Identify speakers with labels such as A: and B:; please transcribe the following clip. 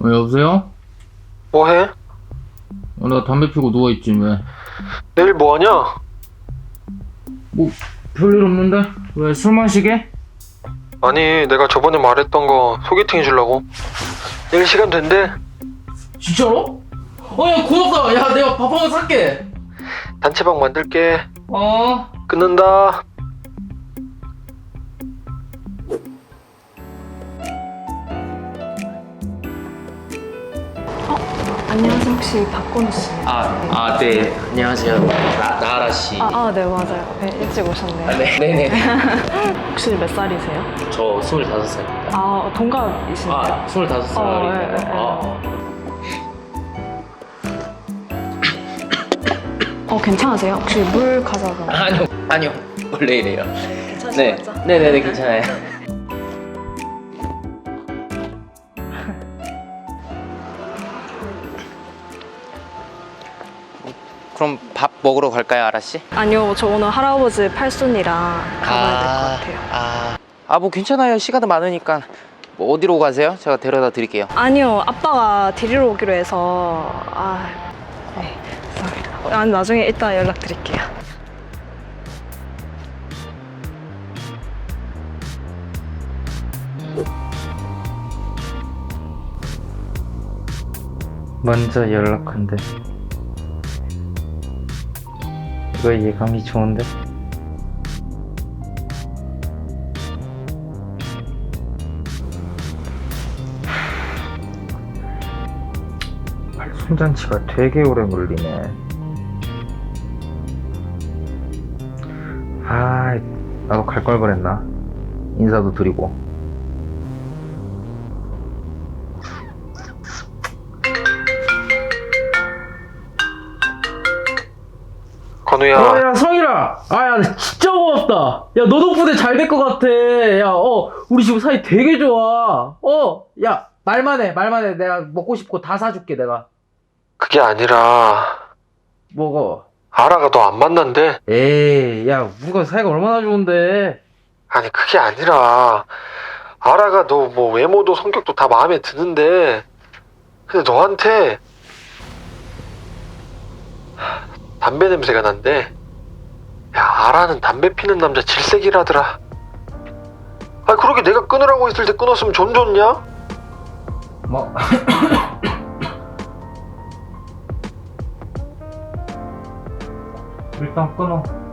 A: 여보세요?
B: 뭐해?
A: 나 담배 피고 누워있지, 왜?
B: 내일 뭐하냐?
A: 뭐, 별일 없는데? 왜, 술 마시게?
B: 아니, 내가 저번에 말했던 거 소개팅 해주려고. 내일 시간 된대.
A: 진짜로? 야, 고맙다. 야, 내가 밥 한번 살게.
B: 단체방 만들게.
A: 어?
B: 끊는다.
C: 안녕하세요. 혹시 박건우 씨?
D: 네. 안녕하세요. 나하라 씨.
C: 네, 맞아요. 네, 일찍 오셨네요.
D: 네네.
C: 혹시 몇 살이세요?
D: 저 25살입니다.
C: 동갑이신가요?
D: 25살이네요.
C: 괜찮으세요? 혹시 물 가져가?
D: 아니요. 원래 이래요.
C: 괜찮으시죠?
D: 네네네, 괜찮아요. 그럼 밥 먹으러 갈까요, 아라 씨?
C: 아니요, 저 오늘 할아버지 팔순이랑 가봐야 될 것 같아요.
D: 뭐 괜찮아요. 시간도 많으니까. 뭐 어디로 가세요? 제가 데려다 드릴게요.
C: 아니요, 아빠가 데리러 오기로 해서 네, 죄송합니다. 나중에 이따 연락드릴게요.
A: 먼저 연락한대. 이거 예감이 좋은데? 손잔치가 되게 오래 걸리네. 나도 갈 걸 그랬나? 인사도 드리고.
B: 건우야.
A: 야, 성일아! 야, 진짜 고맙다! 야, 너 덕분에 잘 될 것 같아. 야, 우리 지금 사이 되게 좋아. 야, 말만 해. 내가 먹고 싶고 다 사줄게, 내가.
B: 그게 아니라
A: 먹어.
B: 아라가 너 안 만난대.
A: 에이, 야, 우리가 사이가 얼마나 좋은데.
B: 아니, 그게 아니라 아라가 너 뭐 외모도 성격도 다 마음에 드는데 근데 너한테 담배 냄새가 난대. 야, 아라는 담배 피는 남자 질색이라더라. 그러게 내가 끊으라고 했을 때 끊었으면 좀 좋냐?
A: 뭐. 일단 끊어.